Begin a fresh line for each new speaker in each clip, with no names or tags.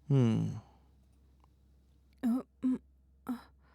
हं.
अ, अं, अ.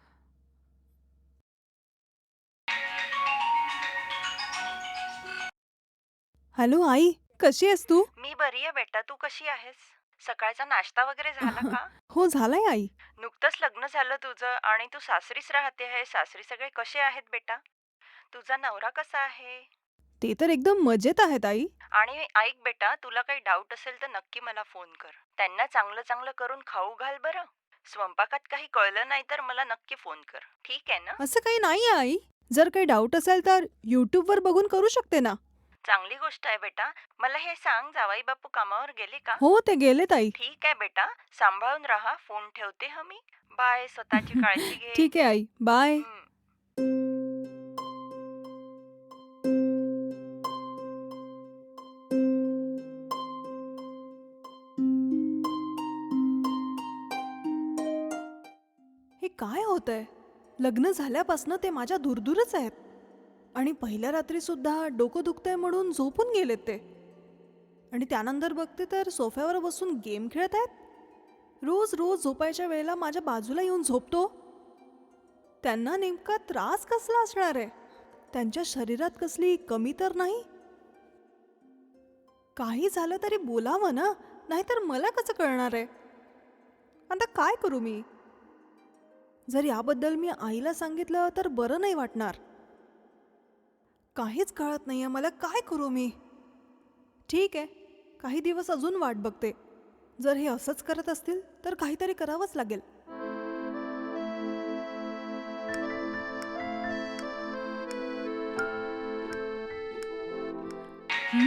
हॅलो आई, कशी आहेस तू?
मी बरी आहे बेटा. तू कशी आहेस? सकाळचा नाश्ता वगैरे झाला का?
हो, झालाय आई.
नुकतंच लग्न झालं तुझं आणि तू सासरीच राहते आहे. सासरी सगळे कसे आहेत बेटा? तुझा नवरा कसा आहे?
ते तर एकदम मजेत आहेत आई.
आणि ऐक बेटा, तुला काही डाऊट असेल तर नक्की मला फोन कर. त्यांना चांगलं चांगलं करून खाऊ घाल बरं. स्वयंपाकात काही कळलं नाही तर मला नक्की फोन कर. ठीक आहे ना?
असं काही नाहीये आई. जर काही डाऊट असेल तर YouTubeवर बघून करू शकते ना.
चांगली गोष्ट आहे बेटा. मला हे सांग, जावई बापू कामावर गेले का?
हो, ते गेलेत आई.
ठीक आहे बेटा. सांभाळून राहा. फोन ठेवते हं मी. बाय. स्वतःची काळजी घे.
ठीक आहे आई. बाय.
हं.
हे काय होतंय? लग्न झाल्यापासनं ते माझ्या दूरच आहेत. आणि पहिल्या रात्री सुद्धा डोकं दुखतंय म्हणून झोपून गेलेत ते. आणि त्यानंतर बघते तर सोफ्यावर बसून गेम खेळत आहेत. रोज रोज झोपायच्या वेळेला माझ्या बाजूला येऊन झोपतो. त्यांना नेमका त्रास कसला असणार आहे? त्यांच्या शरीरात कसली कमी तर नाही? काही झालं तरी बोलावं ना, नाहीतर मला कसं कळणार आहे? आता काय करू मी? जर याबद्दल मी आईला सांगितलं तर बरं नाही वाटणार. काहीच कळत नाहीये मला, काय करू मी? ठीक आहे, काही दिवस अजून वाट बघते. जर हे असंच करत असतील तर काहीतरी करावंच लागेल. हं?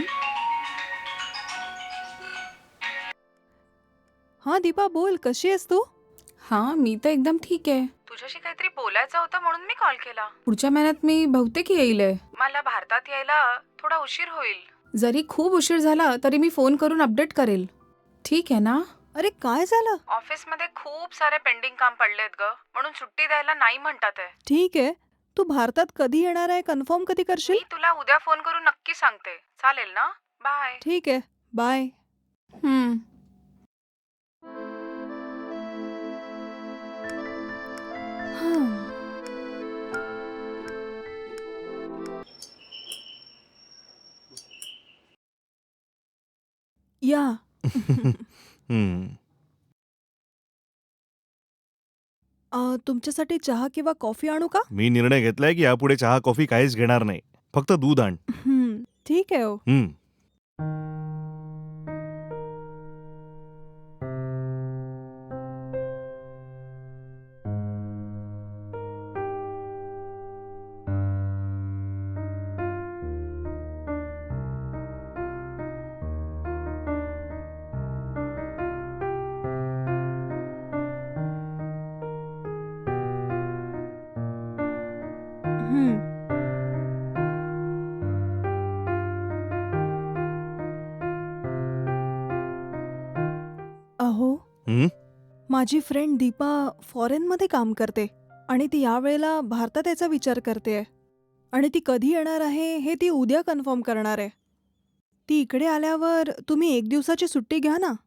हां दीपा, बोल, कशी आहेस तू?
हां, मी तर एकदम ठीक आहे.
तुझ्याशी काहीतरी बोलायचं होतं म्हणून मी कॉल केला.
पुढच्या महिन्यात मी बहुतेक येईल आहे.
मला भारतात यायला थोडा उशीर होईल.
जरी खूप उशीर झाला तरी मी फोन करून अपडेट करेल. ठीक आहे ना?
अरे काय झालं?
ऑफिसमध्ये खूप सारे पेंडिंग काम पडलेत ग, म्हणून सुट्टी द्यायला नाही म्हणतात आहे.
ठीक आहे, तू भारतात कधी येणार आहे, कन्फर्म कधी करशील?
मी तुला उद्या फोन करून नक्की सांगते. चालेल ना? बाय.
ठीक आहे, बाय.
हं.
हं. या.
हं.
तुमच्यासाठी चहा किंवा कॉफी आणू का?
मी निर्णय घेतलाय की यापुढे चहा कॉफी काहीच घेणार नाही. फक्त दूध आण.
ठीक आहे हो.
हं.
हं. अहो,
हं?
माझी फ्रेंड दीपा फॉरेनमध्ये काम करते आणि ती यावेळेला भारतात यायचा विचार करते. आणि ती कधी येणार आहे हे ती उद्या कन्फर्म करणार आहे. ती इकडे आल्यावर तुम्ही 1 दिवसाची सुट्टी घ्या ना.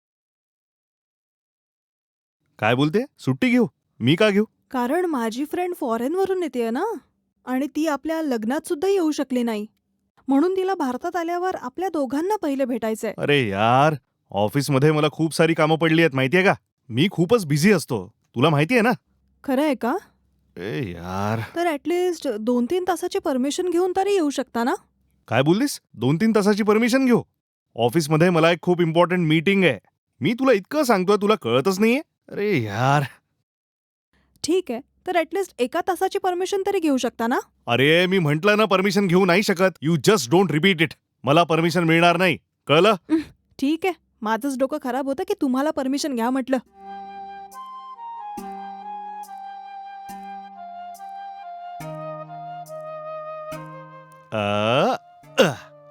काय बोलते? सुट्टी घेऊ? मी का घेऊ?
कारण माझी फ्रेंड फॉरेनवरून येते ना, आणि ती आपल्या लग्नात सुद्धा येऊ शकली नाही. म्हणून तिला भारतात आल्यावर आपल्या दोघांना पहिले भेटायचंय.
अरे यार, ऑफिसमध्ये मला खूप सारी कामं पडली आहेत माहितीये का? मी खूपच बिझी असतो. तुला माहिती आहे ना?
खरं आहे का?
ए यार.
तर ॲटलिस्ट 2-3 तासाची परमिशन घेऊन तरी येऊ शकता ना?
काय बोललीस? 2-3 तासाची परमिशन घेऊ? ऑफिसमध्ये मला एक खूप इम्पॉर्टंट मीटिंग आहे. मी तुला इतकं सांगतोय, तुला कळतच नाहीये? अरे यार.
ठीक आहे, तर ॲटलिस्ट 1 तासाची परमिशन तरी घेऊ शकता ना?
अरे मी म्हंटल ना परमिशन घेऊ नाही शकत. You just don't repeat it. मला परमिशन मिळणार नाही. कळलं?
ठीक आहे, माझंच डोकं खराब होतं की तुम्हाला परमिशन घ्या म्हटलं.
अ, अ.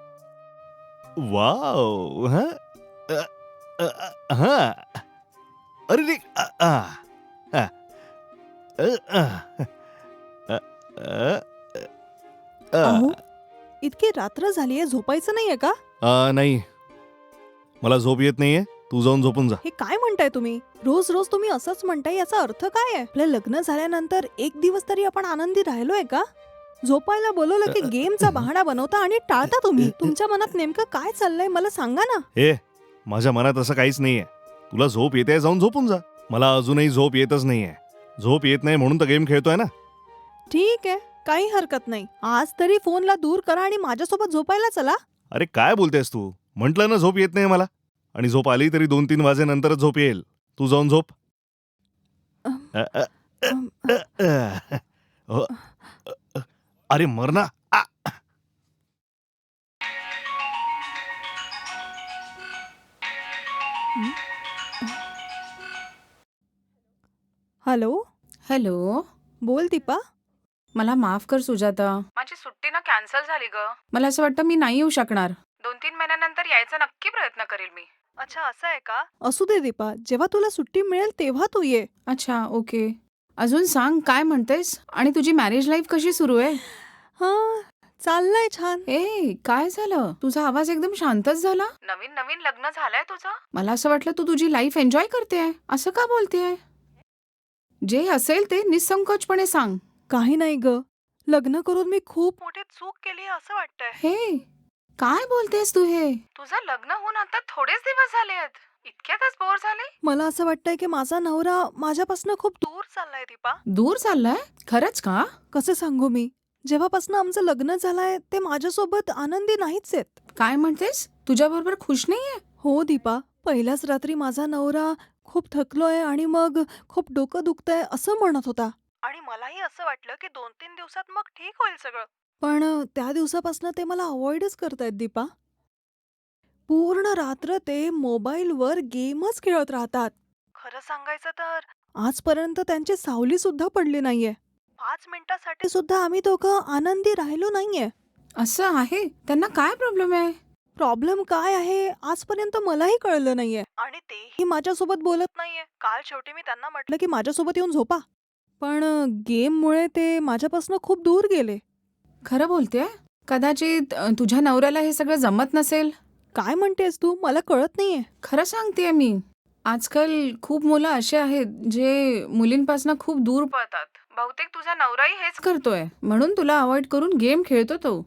वॉव! हं? अ, अ, हं. अरे रे! अ, अ, अ, अ,
अहो,
अ.
इतकी रात्र झालीये, झोपायचं नाहीये का?
नाही. मला झोप येत नाहीये. तू जाऊन झोपून जा.
हे काय म्हणताय तुम्ही? रोज रोज तुम्ही असंच म्हणताय, याचा अर्थ काय आहे? आपलं लग्न झाल्यानंतर एक दिवस तरी आपण आनंदी राहिलोय का? झोपायला बोलवलं की गेमचा बहाणा बनवता आणि टाळता तुम्ही. तुमच्या मनात नेमकं काय चाललंय मला सांगा ना.
माझ्या मनात असं काहीच नाहीये. तुला झोप येते जाऊन झोपून जा. मला अजूनही झोप येतच नाहीये. झोप येत नाही म्हणून तर गेम खेळतोय ना.
ठीक आहे, काही हरकत नाही. आज तरी फोनला दूर करा आणि माझ्यासोबत झोपायला चला.
अरे काय बोलतेस तू? म्हटलं ना झोप येत नाही मला. आणि झोप आली तरी 2-3 वाजेनंतरच झोप येईल. तू जाऊन झोप.
अम,
अ, अ,
अम,
अ, अ, अरे मर ना.
Hello,
hello.
बोल दीपा.
मला माफ कर सुजाता. माझी सुट्टी ना कॅन्सल झाली ग. मला असं वाटतं मी नाही येऊ शकणार. 2-3 महिन्यानंतर यायचा नक्की प्रयत्न करेल मी.
अच्छा, असं आहे का? असू दे दीपा, जेव्हा तुला सुट्टी मिळेल तेव्हा तू ये.
अच्छा, ओके. अजून सांग काय म्हणतेस? आणि तुझी मॅरेज लाईफ कशी सुरू आहे?
हा, चाललंय छान.
काय झालं? तुझा आवाज एकदम शांतच झाला. नवीन नवीन लग्न झालंय तुझं. मला असं वाटलं तू तुझी लाईफ एन्जॉय करतेय. असं का बोलतेय? जे असेल ते निसंकोचपणे सांग.
काही नाही ग, लग्न करून मी खूप मोठी चूक केली असं वाटतंय.
काय बोलतेस तू हे? तुझं लग्न होऊन आता थोडेच दिवस झाले आहेत. इतक्यातच बोर झाले?
मला असं वाटतंय की माझा नवरा माझ्यापासून खूप दूर चाललाय दीपा.
दूर चाललाय? खरंच का?
कसं सांगू मी, जेव्हापासून आमचं लग्न झालंय ते माझ्यासोबत आनंदी नाहीच आहेत.
काय म्हणतेस? तुझ्या बरोबर खुश नाहीये?
हो दीपा, पहिल्याच रात्री माझा नवरा खूप थकलोय आणि मग खूप डोकं दुखतंय असं म्हणत होता. आणि मलाही असं वाटलं की 2-3 दिवसात मग ठीक होईल सगळं. पण त्या दिवसापासून ते मला अवॉइडच करतायत दीपा. पूर्ण रात्र ते मोबाईलवर गेमच खेळत राहतात. खरं सांगायचं तर आजपर्यंत त्यांची सावली सुद्धा पडली नाहीये. 5 मिनिटासाठी सुद्धा आम्ही दोघं आनंदी राहिलो नाहीये.
असं आहे? त्यांना काय प्रॉब्लेम आहे?
प्रॉब्लेम काय आहे आजपर्यंत मलाही कळलं नाहीये. आणि तेही माझ्यासोबत बोलत नाहीये. काल शेवटी मी त्यांना म्हटलं की माझ्यासोबत येऊन झोपा. पण गेममुळे ते माझ्यापासून खूप दूर गेले.
खरं बोलतेय? कदाचित तुझ्या नवऱ्याला हे सगळं जमत नसेल.
काय म्हणतेस तू? मला कळत नाहीये.
खरं सांगतेय मी. आजकाल खूप मुलं असे आहेत जे मुलींपासून खूप दूर पळतात. बहुतेक तुझा नवराही हेच करतोय. म्हणून तुला अवॉइड करून गेम खेळतो तो.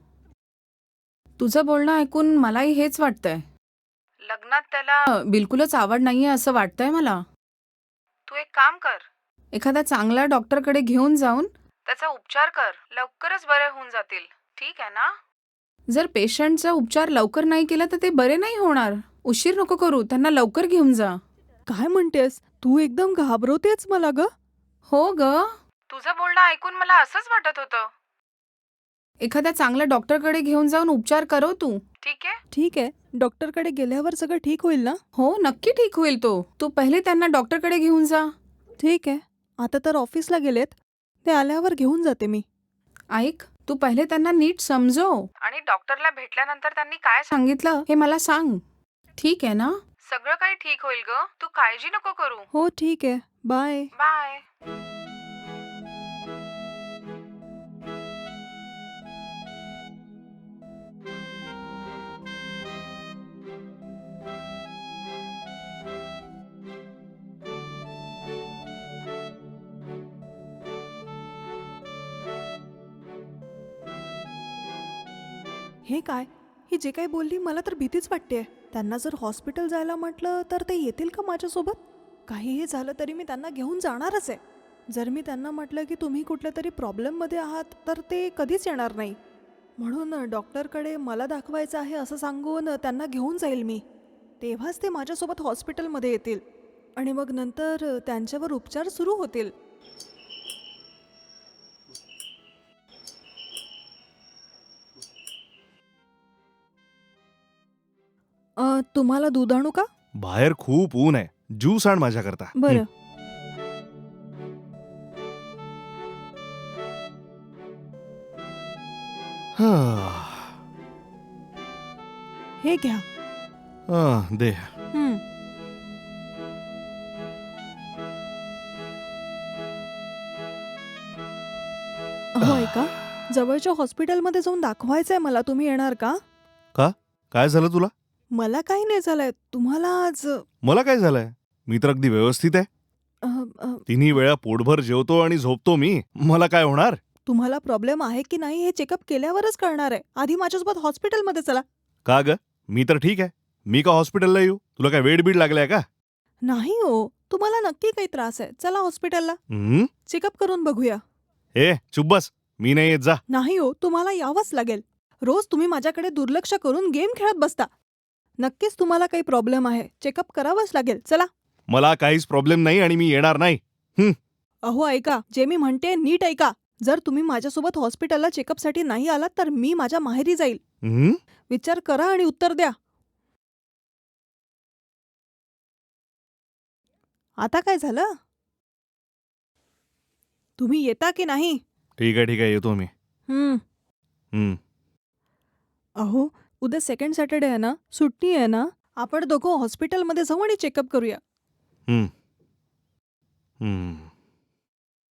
तुझं बोलणं ऐकून मलाही हेच वाटतंय. लग्नात त्याला बिलकुलच आवड नाहीये असं वाटतंय मला. तू एक काम कर. एखादा चांगला डॉक्टरकडे घेऊन जाऊन त्याचा उपचार कर. लवकरच बरे होऊन जातील. ठीक आहे ना? जर पेशंटचा उपचार लवकर नाही केला तर ते बरे नाही होणार. उशीर नको करू. त्यांना लवकर घेऊन जा.
काय म्हणतेस? तू एकदम घाबरवतेच मला ग.
हो ग. तुझं बोलणं ऐकून मला असंच वाटत होतं. एखाद्या चांगल्या डॉक्टरकडे घेऊन जाऊन उपचार करव तू. ठीक आहे?
ठीक आहे, डॉक्टरकडे गेल्यावर सगळं ठीक होईल ना?
हो, नक्की ठीक होईल तो. तू पहिले त्यांना डॉक्टरकडे घेऊन जा.
ठीक आहे, आता तर ऑफिसला गेलेत. ते आल्यावर घेऊन जाते मी.
ऐक, तू पहिले त्यांना नीट समजव. आणि डॉक्टरला भेटल्यानंतर त्यांनी काय सांगितलं हे मला सांग. ठीक आहे ना? सगळं काही ठीक होईल ग. तू काळजी नको करू.
हो ठीक आहे, बाय.
बाय.
हे काय? ही जे काही बोलली मला तर भीतीच वाटते. त्यांना जर हॉस्पिटल जायला म्हटलं तर ते येतील का माझ्यासोबत? काहीही झालं तरी मी त्यांना घेऊन जाणारच आहे. जर मी त्यांना म्हटलं की तुम्ही कुठल्या तरी प्रॉब्लेममध्ये आहात तर ते कधीच येणार नाही. म्हणून डॉक्टरकडे मला दाखवायचं आहे असं सांगून त्यांना घेऊन जाईल मी. तेव्हाच ते माझ्यासोबत हॉस्पिटलमध्ये येतील आणि मग नंतर त्यांच्यावर उपचार सुरू होतील. तुम्हाला दूध आणू का?
बाहेर खूप ऊन आहे. ज्यूस आण माझ्याकरता.
बरं. हे घ्या.
दे.
होय का? जवळच्या हॉस्पिटलमध्ये जाऊन दाखवायचंय मला. तुम्ही येणार का?
का? काय झालं तुला?
मला काही नाही झालंय. तुम्हाला आज
मला काय झालंय? मी तर अगदी व्यवस्थित आहे.
अ, अ,
तिन्ही वेळा पोटभर जेवतो आणि झोपतो मी. मला काय होणार?
तुम्हाला प्रॉब्लेम आहे की नाही हे चेकअप केल्यावरच कळणार आहे. आधी माझ्यासोबत हॉस्पिटलमध्ये चला.
का ग? मी तर ठीक आहे. मी का हॉस्पिटलला येऊ? तुला काय वेड बीड लागलाय का?
नाही हो, तुम्हाला नक्की काही त्रास आहे. चला हॉस्पिटलला.
हं?
चेकअप करून बघूया.
ए चुप बस. मी नाही येत, जा.
नाही हो, तुम्हाला यावंच लागेल. रोज तुम्ही माझ्याकडे दुर्लक्ष करून गेम खेळत बसता. नक्कीच तुम्हाला काही प्रॉब्लेम आहे. चेकअप करावंच लागेल. चला.
मला काहीच प्रॉब्लेम नाही आणि मी येणार नाही.
अहो ऐका, जे मी म्हणते नीट ऐका. जर तुम्ही माझ्यासोबत हॉस्पिटलला चेकअपसाठी नाही आलात तर मी माझ्या माहेरी जाईल.
हं?
विचार करा आणि उत्तर द्या. आता काय झालं? तुम्ही येता की नाही?
ठीक आहे, येतो मी.
हं.
हं.
अहो, उद्या सेकंड सॅटर्डे आहे ना, सुट्टी आहे ना, आपण दोघं हॉस्पिटलमध्ये जाऊ आणि चेकअप करूया.
हं. हं.